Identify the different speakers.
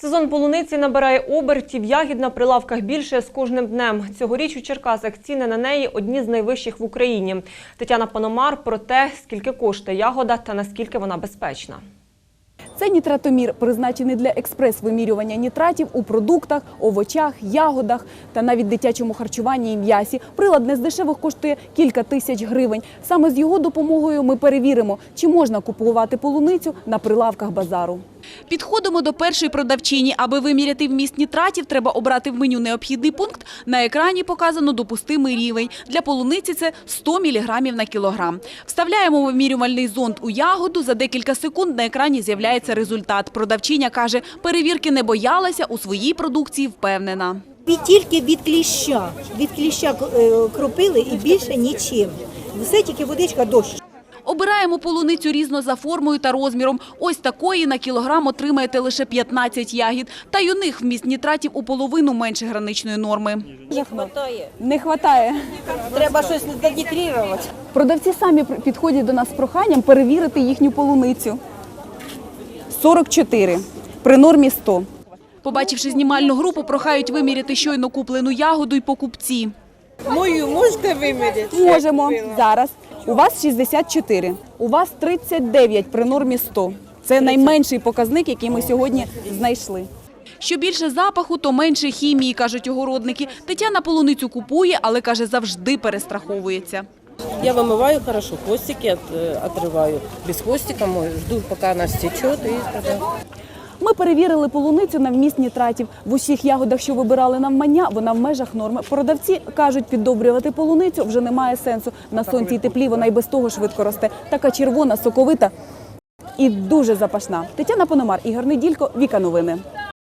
Speaker 1: Сезон полуниці набирає обертів, ягід на прилавках більше з кожним днем. Цьогоріч у Черкасах ціни на неї одні з найвищих в Україні. Тетяна Пономар про те, скільки коштує ягода та наскільки вона безпечна.
Speaker 2: Це нітратомір, призначений для експрес-вимірювання нітратів у продуктах, овочах, ягодах та навіть дитячому харчуванні і м'ясі. Прилад не з дешевих коштує кілька тисяч гривень. Саме з його допомогою ми перевіримо, чи можна купувати полуницю на прилавках базару.
Speaker 3: Підходимо до першої продавчині. Аби виміряти вміст нітратів, треба обрати в меню необхідний пункт. На екрані показано допустимий рівень. Для полуниці це 100 мг на кілограм. Вставляємо вимірювальний зонд у ягоду. За декілька секунд на екрані з'являється результат. Продавчиня каже, перевірки не боялася, у своїй продукції впевнена.
Speaker 4: Тільки від кліща кропили і більше нічим. Все тільки водичка, дощ.
Speaker 3: Обираємо полуницю різно за формою та розміром. Ось такої на кілограм отримаєте лише 15 ягід. Та й у них вміст нітратів у половину менше граничної норми.
Speaker 2: Не вистачає.
Speaker 4: Треба щось задітрірувати.
Speaker 2: Продавці самі підходять до нас з проханням перевірити їхню полуницю. 44, при нормі 100.
Speaker 3: Побачивши знімальну групу, прохають виміряти щойно куплену ягоду й покупці.
Speaker 4: Мою можете виміряти?
Speaker 2: Можемо. Зараз. У вас 64, у вас 39 при нормі 100. Це найменший показник, який ми сьогодні знайшли.
Speaker 3: Що більше запаху, то менше хімії, кажуть огородники. Тетяна полуницю купує, але, каже, завжди перестраховується.
Speaker 5: Я вымываю хорошо, хвостики отрываю. Без хвостика жду, пока она стечет и тогда...
Speaker 2: Ми перевірили полуницю на вміст нітратів. В усіх ягодах, що вибирали навмання, вона в межах норми. Продавці кажуть, піддобрювати полуницю вже немає сенсу. На сонці й теплі вона й без того швидко росте. Така червона, соковита і дуже запашна. Тетяна Пономар, Ігор Неділько, Віка Новини.